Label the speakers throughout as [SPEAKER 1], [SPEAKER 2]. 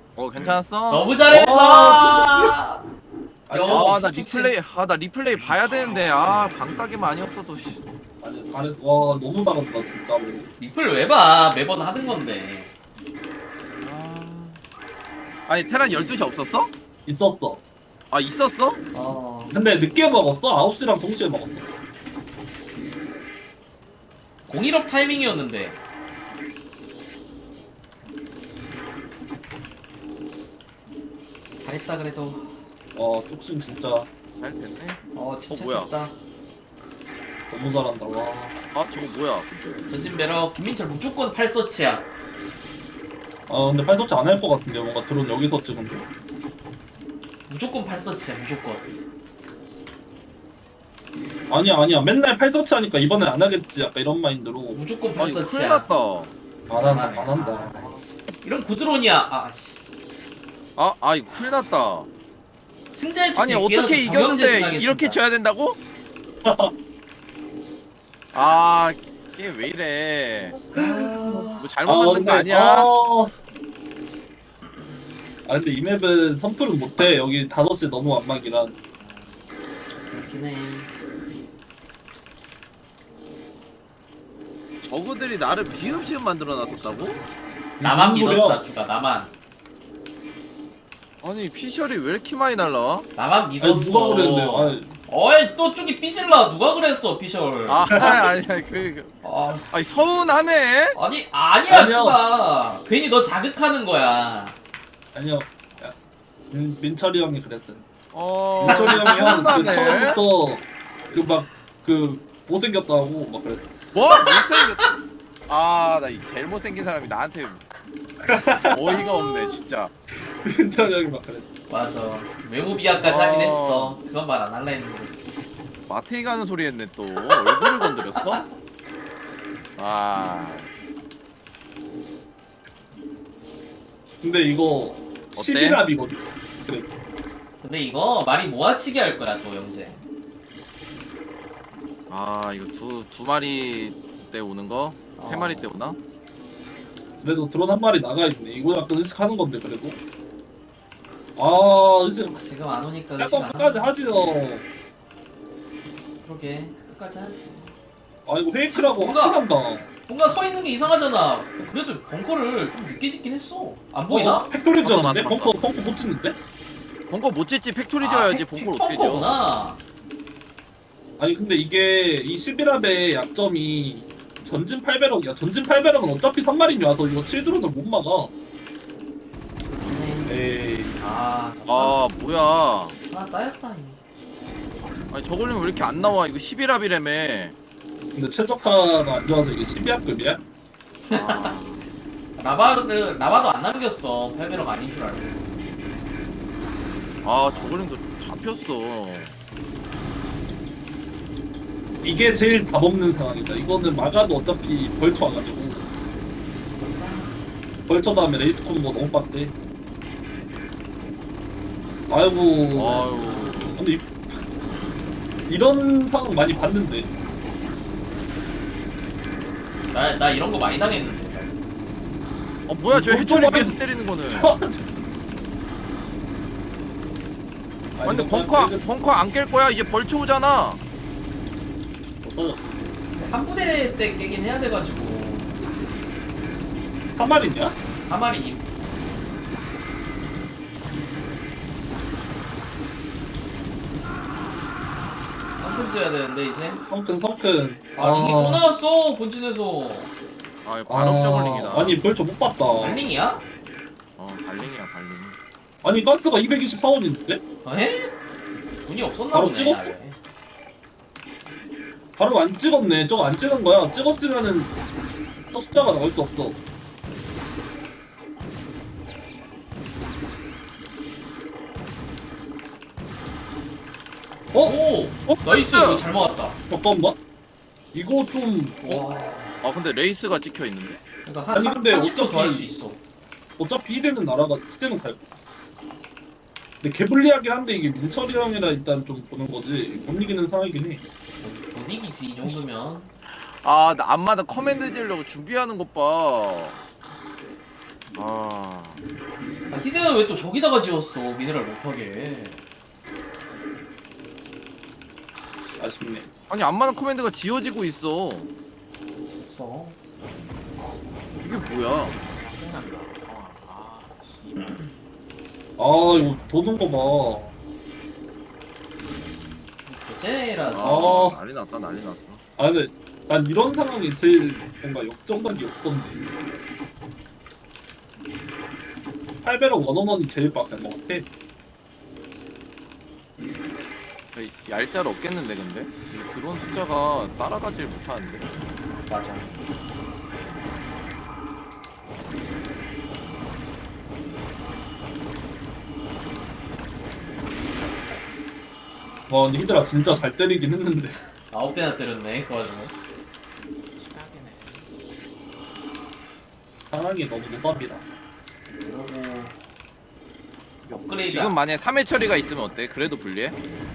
[SPEAKER 1] 괜찮았어?
[SPEAKER 2] 너무 잘했어.
[SPEAKER 1] 나 리플레이 봐야 되는데 방따기만 아니었어도 씨.
[SPEAKER 3] 아니 잘했어. 와 너무 잘한다 진짜로.
[SPEAKER 2] 리플 왜 봐? 매번 하던 건데.
[SPEAKER 1] 아니 테란 12시 없었어?
[SPEAKER 3] 있었어.
[SPEAKER 1] 있었어?
[SPEAKER 3] 근데 늦게 먹었어. 9시랑 동시에 먹었어.
[SPEAKER 2] 01업 타이밍이었는데. 잘했다 그래도.
[SPEAKER 3] 와 뚝심 진짜
[SPEAKER 1] 잘 됐네.
[SPEAKER 2] 침착했다.
[SPEAKER 1] 뭐야?
[SPEAKER 3] 너무 잘한다. 와.
[SPEAKER 1] 저거 뭐야?
[SPEAKER 2] 전진 매력 김민철 무조건 8서치야.
[SPEAKER 3] 근데 팔도치 안 할 것 같은데 뭔가 드론 여기서 찍은데.
[SPEAKER 2] 무조건 8서치야 무조건.
[SPEAKER 3] 아니야 맨날 팔서치 하니까 이번엔 안 하겠지 약간 이런 마인드로.
[SPEAKER 2] 무조건
[SPEAKER 1] 큰일
[SPEAKER 2] 8서치야.
[SPEAKER 1] 났다.
[SPEAKER 3] 안 한다.
[SPEAKER 2] 이런 구드론이야.
[SPEAKER 1] 이거 큰일 났다.
[SPEAKER 2] 승자의
[SPEAKER 1] 아니 어떻게 이겼는데 이렇게 져야 된다고? 게임 왜 이래? 뭐 잘못 만든 거 아니야?
[SPEAKER 3] 근데 이 맵은 선풀은 못해. 여기 5시 너무 완막이라.
[SPEAKER 2] 그렇긴 해.
[SPEAKER 1] 저그들이 나를 비읍시읍 만들어놨었다고?
[SPEAKER 2] 나만
[SPEAKER 3] 무슨
[SPEAKER 2] 믿었다
[SPEAKER 3] 소리야?
[SPEAKER 2] 주가 나만.
[SPEAKER 1] 아니 피셜이 왜 이렇게 많이 날라와?
[SPEAKER 2] 나만
[SPEAKER 3] 아니
[SPEAKER 2] 믿었어.
[SPEAKER 3] 누가 그랬는데.
[SPEAKER 2] 어이 또 쪽이 삐질라 누가 그랬어 피셜.
[SPEAKER 1] 아니 서운하네.
[SPEAKER 2] 아니야
[SPEAKER 3] 아니요.
[SPEAKER 2] 주가 괜히 너 자극하는 거야.
[SPEAKER 3] 아니요. 야, 민철이 형이 그랬어요.
[SPEAKER 1] 민철이
[SPEAKER 3] 민철이 형이 형
[SPEAKER 1] 서운하네.
[SPEAKER 3] 처음부터 못생겼다고 막 그랬어.
[SPEAKER 1] 뭐? 못생겼. 나 제일 못생긴 사람이 나한테 어이가 없네 진짜.
[SPEAKER 3] 민철이 형이 막 그랬어.
[SPEAKER 2] 맞아. 외모 비하까지 하긴 했어. 그건 말 안 할라 했는데.
[SPEAKER 1] 마트에 가는 소리 했네 또. 얼굴을 건드렸어?
[SPEAKER 3] 근데 이거
[SPEAKER 1] 어때?
[SPEAKER 3] 11합이거든. 그래.
[SPEAKER 2] 근데 이거 말이 모아치기 할 거야 또 영재.
[SPEAKER 1] 이거 두 마리 때 오는 거? 세 마리 때 오나?
[SPEAKER 3] 그래도 드론 한 마리 나가 있네. 이거 약간 의식하는 건데 그래도. 의식.
[SPEAKER 2] 지금 안 오니까 의식
[SPEAKER 3] 약간
[SPEAKER 2] 안
[SPEAKER 3] 끝까지
[SPEAKER 2] 하네.
[SPEAKER 3] 하지 너.
[SPEAKER 2] 그러게 끝까지 하지.
[SPEAKER 3] 이거 페이크라고
[SPEAKER 2] 뭔가-
[SPEAKER 3] 확실한다.
[SPEAKER 2] 뭔가 서 있는 게 이상하잖아. 그래도 벙커를 좀 늦게 짓긴 했어. 안 보이나?
[SPEAKER 3] 팩토리 지었는데?
[SPEAKER 1] 맞다.
[SPEAKER 3] 벙커 못 짓는데?
[SPEAKER 1] 벙커 못 짓지. 팩토리 지어야지. 벙커를 어떻게 지어?
[SPEAKER 2] 벙커구나.
[SPEAKER 3] 아니 근데 이게 이 11합의 약점이 전진 8배럭이야. 전진 8배럭은 어차피 3마린이 와서 이거 7드론을 못 막아. 에이.
[SPEAKER 1] 뭐야.
[SPEAKER 2] 따였다 이미.
[SPEAKER 1] 아니 저걸리면 왜 이렇게 안 나와? 이거 11합이라며.
[SPEAKER 3] 근데 최적화가 안 좋아서 이게 12합급이야?
[SPEAKER 2] 라바도 안 남겼어. 8배럭 아닌 줄 알고.
[SPEAKER 1] 저걸림도 잡혔어.
[SPEAKER 3] 이게 제일 답 없는 상황이다. 이거는 막아도 어차피 벌초 와가지고. 벌초 다음에 레이스 콤보 너무 빡세. 아이고. 근데 이런 상황 많이 봤는데.
[SPEAKER 2] 나 이런 거 많이 당했는데.
[SPEAKER 1] 뭐야 저 해초리 위에서 때리는 거는. 근데 벙커 안 깰 거야. 이제 벌초 오잖아.
[SPEAKER 3] 없어졌어.
[SPEAKER 2] 한 부대 때 깨긴 해야 돼가지고.
[SPEAKER 3] 3마리냐?
[SPEAKER 2] 3마리. 성큰 지어야 되는데 이제.
[SPEAKER 3] 성큰.
[SPEAKER 2] 이게 또 나왔어 본진에서.
[SPEAKER 1] 이거 발업 저글링이다.
[SPEAKER 3] 아니 벌초 못 봤다.
[SPEAKER 2] 발링이야?
[SPEAKER 1] 발링이야 발링.
[SPEAKER 3] 아니 가스가 224원인데?
[SPEAKER 2] 에? 돈이 없었나
[SPEAKER 3] 바로
[SPEAKER 2] 보네.
[SPEAKER 3] 찍었어?
[SPEAKER 2] 아예.
[SPEAKER 3] 바로 안 찍었네. 저거 안 찍은 거야. 찍었으면은 저 숫자가 나올 수 없어.
[SPEAKER 2] 오! 나이스! 이거 잘 막았다.
[SPEAKER 3] 잠깐만. 이거 좀
[SPEAKER 2] 와.
[SPEAKER 1] 근데 레이스가 찍혀 있는데.
[SPEAKER 2] 그러니까
[SPEAKER 3] 아니, 근데
[SPEAKER 2] 30점 더 할 수 있어.
[SPEAKER 3] 어차피 이대는 나라가 이대는 갈 거야. 근데 개불리하긴 한데 이게 민철이 형이라 일단 좀 보는 거지. 못 이기는 상황이긴 해.
[SPEAKER 2] 못 이기지 이 정도면.
[SPEAKER 1] 나 앞마다 커맨드 지으려고 준비하는 것 봐.
[SPEAKER 2] 아, 히드는 왜 또 저기다가 지었어? 미네랄 못하게.
[SPEAKER 3] 아쉽네.
[SPEAKER 1] 아니 안마는 커맨드가 지어지고 있어.
[SPEAKER 2] 됐어.
[SPEAKER 1] 이게 뭐야?
[SPEAKER 2] 짜증난다. 아, 씨발.
[SPEAKER 3] 아 이거 도는 거 봐.
[SPEAKER 2] 대제라서.
[SPEAKER 3] 아.
[SPEAKER 1] 난리 났다 난리 났어.
[SPEAKER 3] 아 근데 난 이런 상황이 제일 뭔가 역정각이 없던데. 8배럭 원원원이 제일 빡센 것 같아.
[SPEAKER 1] 얄짤 없겠는데 근데? 이 드론 숫자가 따라가질 못하는데.
[SPEAKER 2] 맞아.
[SPEAKER 3] 와 근데 히드라 진짜 잘 때리긴 했는데.
[SPEAKER 2] 9대나 때렸네, 그 와중에.
[SPEAKER 3] 상황이 너무 노답이다.
[SPEAKER 2] 그러고 업그레이드
[SPEAKER 1] 지금 만약에 3회 처리가 있으면 어때? 그래도 불리해?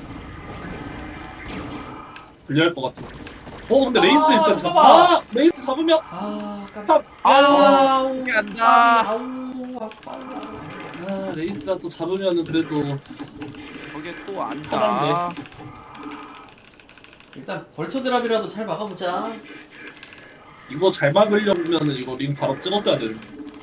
[SPEAKER 3] 불리할 것 같은데. 근데
[SPEAKER 2] 아,
[SPEAKER 3] 레이스 일단
[SPEAKER 2] 잠깐만.
[SPEAKER 3] 레이스 잡으면
[SPEAKER 2] 아,
[SPEAKER 3] 탑.
[SPEAKER 2] 깜짝.
[SPEAKER 1] 아우, 이게 안 나.
[SPEAKER 2] 아우, 아파.
[SPEAKER 3] 레이스라 또 잡으면은 그래도
[SPEAKER 1] 거기에 또 안다.
[SPEAKER 3] 편한데.
[SPEAKER 2] 일단 벌처 드랍이라도 잘 막아보자.
[SPEAKER 3] 이거 잘 막으려면은 이거 링 바로 찍었어야 되는데.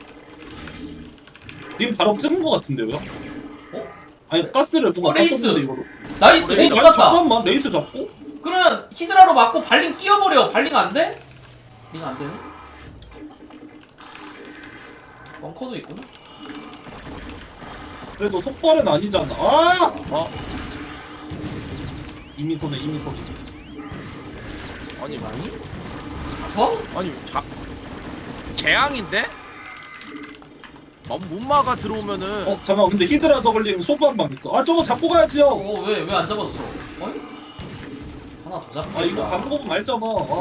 [SPEAKER 3] 링 바로 찍은 것 같은데요?
[SPEAKER 2] 어?
[SPEAKER 3] 아니 가스를 뭔가
[SPEAKER 2] 레이스!
[SPEAKER 3] 땄었는데, 이거로.
[SPEAKER 2] 나이스, 레이스
[SPEAKER 3] 아니,
[SPEAKER 2] 같다.
[SPEAKER 3] 잠깐만 레이스 잡고?
[SPEAKER 2] 그러면 히드라로 맞고 발링 뛰어버려. 발링 안 돼? 링 안 되네? 벙커도 있구나.
[SPEAKER 3] 그래도 속발은 아니잖아. 아! 이미 손에.
[SPEAKER 1] 아니
[SPEAKER 2] 아니? 저?
[SPEAKER 1] 아니 재앙인데? 못 막아 들어오면은.
[SPEAKER 3] 잠깐만 근데 히드라 저글링 소부 한 방 있어. 아 저거 잡고 가야지요.
[SPEAKER 2] 왜 안 잡았어? 어이? 하나 더 잡고.
[SPEAKER 3] 아 이거 방법은 알잖아.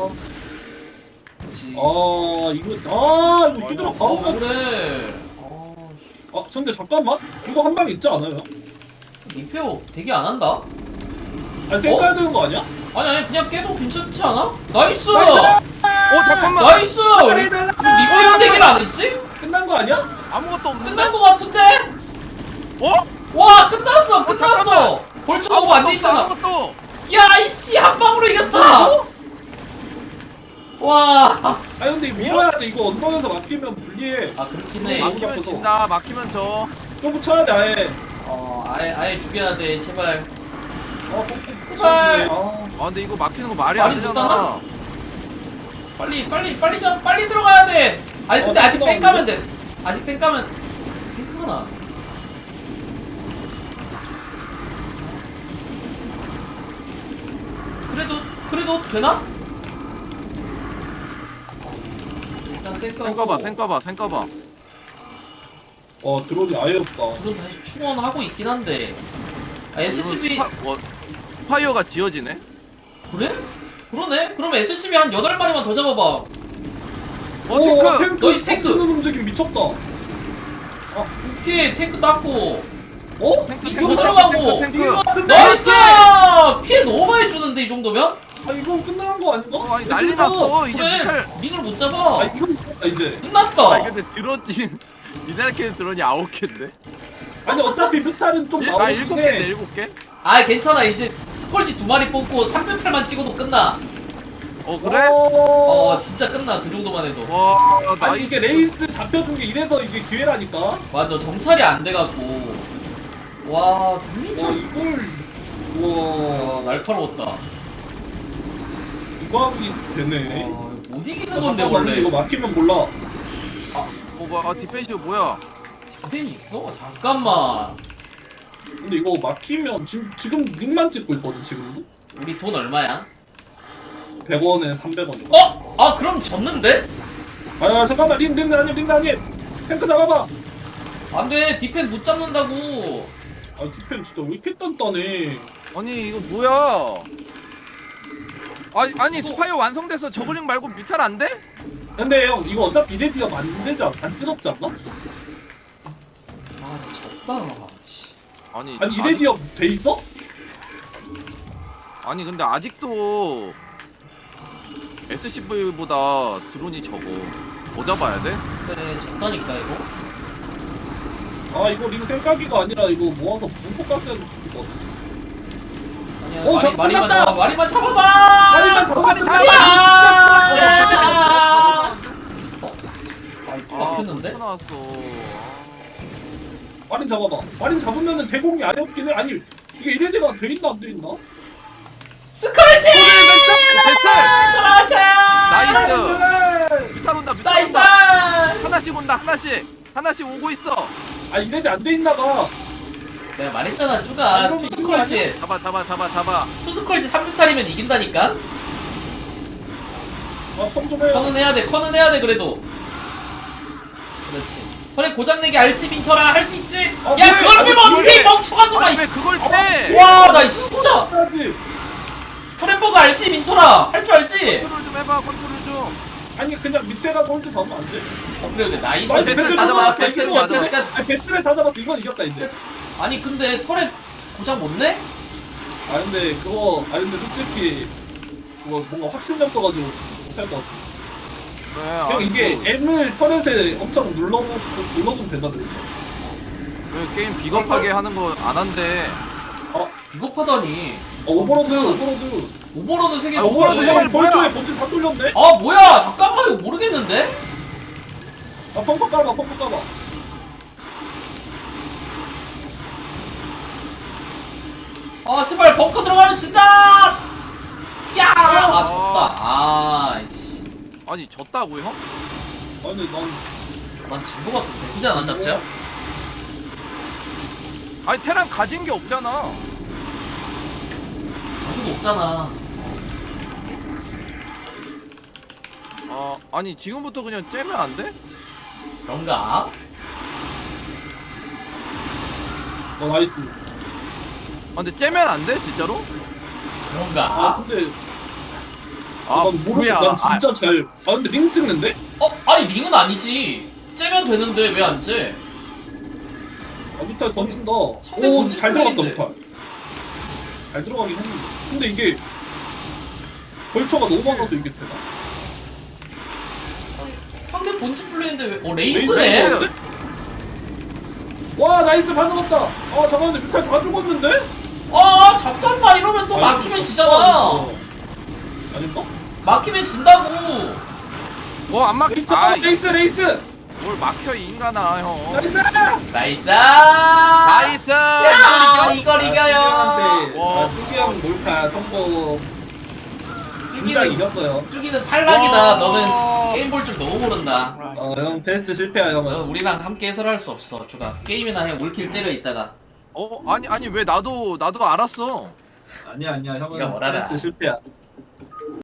[SPEAKER 2] 그렇지.
[SPEAKER 3] 이거 히드라 바로 가.
[SPEAKER 2] 그래.
[SPEAKER 3] 근데 잠깐만 이거 한 방 있지 않아요?
[SPEAKER 2] 리페어 되게 안 한다?
[SPEAKER 3] 아니 생각해야 되는 거 아니야?
[SPEAKER 2] 아니 그냥 깨도 괜찮지 않아? 나이스!
[SPEAKER 1] 잠깐만.
[SPEAKER 2] 나이스! 리페어 되기를 안 했지?
[SPEAKER 3] 끝난 거 아니야?
[SPEAKER 1] 아무것도 없는데?
[SPEAKER 2] 끝난 거 같은데?
[SPEAKER 1] 어?
[SPEAKER 2] 와 끝났어! 끝났어! 벌써 너무 안 돼 있잖아.
[SPEAKER 1] 아무것도.
[SPEAKER 2] 야 이씨 한 방으로 이겼다! 와.
[SPEAKER 3] 아니 근데 밀어야 돼. 이거 언덕에서 막히면 불리해.
[SPEAKER 2] 아 그렇긴 해.
[SPEAKER 1] 막히면 진다. 막히면 져.
[SPEAKER 3] 좀 붙여야 돼 아예.
[SPEAKER 2] 아예 죽여야 돼 제발.
[SPEAKER 3] 제발.
[SPEAKER 1] 근데 이거 막히는 거 말이 안
[SPEAKER 2] 말이
[SPEAKER 1] 되잖아.
[SPEAKER 2] 못하나? 빨리 들어가야 돼. 아니 근데 아직 쌩 까면 돼. 아직 쌩 까면 탱크구나. 그래도 되나? 일단 쌩 까고.
[SPEAKER 1] 생 까봐.
[SPEAKER 3] 드론이 아예 없다.
[SPEAKER 2] 물론 다시 충원하고 있긴 한데. SCB
[SPEAKER 1] 파이어가 지어지네?
[SPEAKER 2] 그래? 그러네? 그럼 SCB 한 8마리만 더 잡아봐.
[SPEAKER 1] 탱크!
[SPEAKER 2] 너희 탱크!
[SPEAKER 3] 는 움직임 미쳤다.
[SPEAKER 2] 오케이 탱크 땄고.
[SPEAKER 1] 탱크
[SPEAKER 2] 이거 들어가고.
[SPEAKER 1] 탱크.
[SPEAKER 2] 나이스! 피해 너무 많이 주는데 이 정도면?
[SPEAKER 3] 이건 끝난 거 아닌가?
[SPEAKER 1] 아니 난리 났어. 이제
[SPEAKER 2] 그래
[SPEAKER 1] 미탈.
[SPEAKER 2] 링을 못 잡아.
[SPEAKER 3] 이건 끝났다 이제.
[SPEAKER 2] 끝났다.
[SPEAKER 1] 근데 드론지 미탈 드론이 9개인데?
[SPEAKER 3] 아니 어차피 뮤탈은 좀
[SPEAKER 1] 아
[SPEAKER 3] 나오긴
[SPEAKER 1] 7개인데
[SPEAKER 3] 해.
[SPEAKER 1] 7개?
[SPEAKER 2] 아 괜찮아 이제 스컬지 2마리 뽑고 300팔만 찍어도 끝나.
[SPEAKER 1] 그래?
[SPEAKER 2] 진짜 끝나 그 정도만 해도.
[SPEAKER 1] 와
[SPEAKER 3] 아니
[SPEAKER 1] 나이스.
[SPEAKER 3] 이게 레이스 잡혀준 게 이래서 이게 기회라니까.
[SPEAKER 2] 맞아 정찰이 안 돼갖고. 와 김민철.
[SPEAKER 3] 이걸 와
[SPEAKER 2] 날카로웠다.
[SPEAKER 3] 이거 하기 되네.
[SPEAKER 2] 못 이기는 건데
[SPEAKER 3] 잠깐만,
[SPEAKER 2] 원래.
[SPEAKER 3] 이거 막히면 몰라.
[SPEAKER 1] 뭐야? 디펜시브 뭐야?
[SPEAKER 2] 팬이 있어? 잠깐만.
[SPEAKER 3] 근데 이거 막히면 지금 링만 찍고 있거든 지금도.
[SPEAKER 2] 우리 돈 얼마야?
[SPEAKER 3] 100원에 300원.
[SPEAKER 2] 그럼 졌는데?
[SPEAKER 3] 잠깐만 링 아님. 탱크 잡아봐.
[SPEAKER 2] 안돼 디펜 못 잡는다고.
[SPEAKER 3] 디펜 진짜 왜 이렇게 단단해.
[SPEAKER 1] 아니 이거 뭐야? 아니 스파이어 완성돼서 저글링 말고 뮤탈 안 돼?
[SPEAKER 3] 근데 형 이거 어차피 이레디가 안 되지 안 찍었지 않나?
[SPEAKER 2] 졌다.
[SPEAKER 1] 아니
[SPEAKER 3] 이레디가 돼 있어?
[SPEAKER 1] 아니 근데 아직도 SCV보다 드론이 적어. 뭐 잡아야 돼?
[SPEAKER 2] 그래 졌다니까 이거.
[SPEAKER 3] 아 이거 링 생각이가 아니라 이거 모아서 분포 깠어야 될것 같아.
[SPEAKER 2] 아니야
[SPEAKER 3] 오, 저
[SPEAKER 2] 마리만
[SPEAKER 3] 끝났다!
[SPEAKER 2] 잡아 마리만 잡아봐
[SPEAKER 3] 마리만 잡아봐!
[SPEAKER 2] 막혔는데?
[SPEAKER 1] 나왔어.
[SPEAKER 3] 마린 잡아봐. 마린 잡으면은 대공이 아예 없긴 해. 아니 이게 이레디가 돼 있나 안 돼 있나?
[SPEAKER 2] 스컬지!
[SPEAKER 1] 됐어.
[SPEAKER 2] 그렇지!
[SPEAKER 1] 나이스. 뮤탄 온다. 뮤탄
[SPEAKER 2] 나이스!
[SPEAKER 1] 온다. 하나씩 온다. 하나씩 오고 있어.
[SPEAKER 3] 아 이레디 안 돼 있나 봐.
[SPEAKER 2] 내가 말했잖아 쭈가
[SPEAKER 3] 이러면
[SPEAKER 2] 투스컬지
[SPEAKER 1] 잡아.
[SPEAKER 2] 투스컬지 3뮤탈이면 이긴다니까?
[SPEAKER 3] 아컴좀 해요.
[SPEAKER 2] 커는 해야 돼 그래도 그렇지 털에 고장내기 알지 민철아 할 수 있지?
[SPEAKER 3] 아,
[SPEAKER 2] 야
[SPEAKER 3] 왜?
[SPEAKER 2] 그걸
[SPEAKER 3] 아니,
[SPEAKER 2] 빼면 어떡해 이
[SPEAKER 3] 왜?
[SPEAKER 2] 멍청한
[SPEAKER 1] 아니
[SPEAKER 2] 놈아
[SPEAKER 1] 왜
[SPEAKER 2] 이씨
[SPEAKER 1] 그걸 빼?
[SPEAKER 2] 와나 진짜
[SPEAKER 3] 해야지.
[SPEAKER 2] 털앤버거 알지 민철아 할 줄 알지?
[SPEAKER 1] 컨트롤 좀 해봐. 컨트롤 좀.
[SPEAKER 3] 아니 그냥 밑에 가서 홀드 잡으면 안 돼?
[SPEAKER 2] 그래 나이스
[SPEAKER 3] 나이스,
[SPEAKER 2] 패스
[SPEAKER 3] 패스
[SPEAKER 2] 다 잡았어
[SPEAKER 3] 패스
[SPEAKER 2] 패스
[SPEAKER 3] 패스
[SPEAKER 2] 패스
[SPEAKER 3] 패스.
[SPEAKER 2] 패스
[SPEAKER 3] 아니 베스트를 다 잡았어. 이건 이겼다 이제.
[SPEAKER 2] 아니 근데 털에 고장 못 내?
[SPEAKER 3] 아 근데 솔직히 그거 뭔가 확신력 써가지고 못할 것 같아.
[SPEAKER 1] 그래.
[SPEAKER 3] 그냥 이게 M을 터렛에 엄청 눌러주면 된다더니.
[SPEAKER 1] 왜 게임 비겁하게 하는 거 안 한대.
[SPEAKER 2] 비겁하다니
[SPEAKER 3] 오버로드.
[SPEAKER 2] 오버로드 세개
[SPEAKER 1] 아,
[SPEAKER 3] 오버로드
[SPEAKER 1] 오버로드
[SPEAKER 3] 형이
[SPEAKER 1] 뭐야?
[SPEAKER 3] 본주에 본주 다 뚫렸네?
[SPEAKER 2] 아 뭐야 잠깐만 이거 모르겠는데?
[SPEAKER 3] 아 펑펑 까봐.
[SPEAKER 2] 아 제발 벙커 들어가면 진다! 야! 아 졌다 아이씨
[SPEAKER 1] 아니 졌다고 형?
[SPEAKER 3] 아니 난
[SPEAKER 2] 난 진 거 같은데 그지 않아 짭짤?
[SPEAKER 1] 아니 테란 가진 게 없잖아.
[SPEAKER 2] 아무도 없잖아
[SPEAKER 1] 아니 지금부터 그냥 째면 안 돼?
[SPEAKER 2] 그런가?
[SPEAKER 3] 나이스.
[SPEAKER 1] 근데 째면 안 돼? 진짜로?
[SPEAKER 2] 그런가?
[SPEAKER 3] 근데
[SPEAKER 1] 아
[SPEAKER 3] 난 모르겠어.
[SPEAKER 1] 뭐야?
[SPEAKER 3] 난 진짜 잘. 근데 링 찍는데?
[SPEAKER 2] 아니 링은 아니지 째면 되는데 왜 안 째?
[SPEAKER 3] 무탈 던진다.
[SPEAKER 2] 상대
[SPEAKER 3] 오,
[SPEAKER 2] 본진
[SPEAKER 3] 잘 들어갔다
[SPEAKER 2] 플레이인데.
[SPEAKER 3] 무탈. 잘 들어가긴 했는데. 근데 이게 벌처가 너무 많아서 이게 되나?
[SPEAKER 2] 상대 본진 플레이인데 왜?
[SPEAKER 3] 레이스.
[SPEAKER 2] 레이스네?
[SPEAKER 3] 와 나이스 반 넘었다. 잠깐만 무탈 다 죽었는데?
[SPEAKER 2] 잠깐만 이러면 또 막히면 지잖아
[SPEAKER 3] 아닌가?
[SPEAKER 2] 막히면 진다고
[SPEAKER 1] 뭐안 막?
[SPEAKER 3] 레이스.
[SPEAKER 1] 뭘 막혀 이 인간아 형.
[SPEAKER 3] 나이스.
[SPEAKER 2] 나이스
[SPEAKER 1] 나이스.
[SPEAKER 2] 야
[SPEAKER 1] 이걸 이겨?
[SPEAKER 2] 이걸 이겨요
[SPEAKER 1] 와.
[SPEAKER 3] 뚜기형 몰카 성공. 중장 이겼어요.
[SPEAKER 2] 쭈기는 탈락이다
[SPEAKER 1] 와.
[SPEAKER 2] 너는 게임 볼 줄 너무 모른다
[SPEAKER 3] 형 테스트 실패야 형은.
[SPEAKER 2] 너는 우리랑 함께 해설할 수 없어 쭈가 게임이나 그냥 물킬 때려 있다가
[SPEAKER 1] 아니 왜 나도 알았어.
[SPEAKER 3] 아니야
[SPEAKER 2] 네가
[SPEAKER 3] 형은
[SPEAKER 2] 뭘 알아.
[SPEAKER 3] 테스트 실패야.